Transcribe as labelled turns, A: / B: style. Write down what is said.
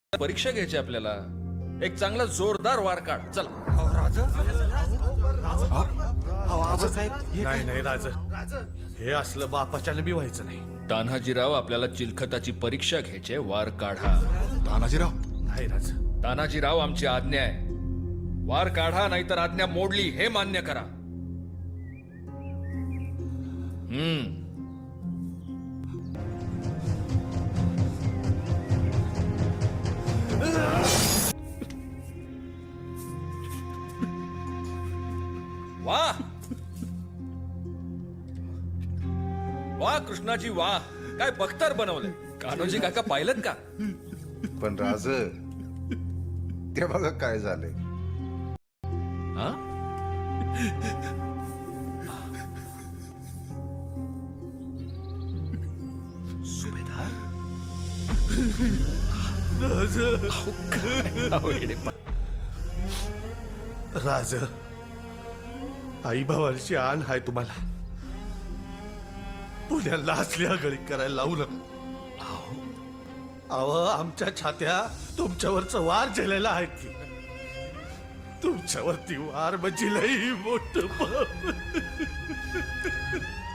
A: परीक्षा घ्यायची आपल्याला. एक चांगला जोरदार वार काढ. चला.
B: नाही नाही राज, हे असलं बापाच्याने बी व्हायचं नाही.
A: तान्हाजीराव, आपल्याला चिलखताची परीक्षा घ्यायची. वार काढा.
C: तानाजीराव,
B: नाही राज,
A: तान्हाजीराव, आमची आज्ञा आहे. वार काढा, नाहीतर आज्ञा मोडली हे मान्य करा. वाह वाह कृष्णाजी, वाह. काय बख्तर बनवलंय. कान्होजी काका पाहिलं का?
D: पण राज, ते बघा काय झालंय.
A: हा? सुभेदार.
B: राज, आई भावांची आण हाय तुम्हाला. पुण्याला असल्या गळी करायला लावू नका. अहो, आमच्या छात्या तुमच्यावरचं वार झेलेला आहेत की. तुमच्यावरती वार म्हणजे लई मोठं पाप.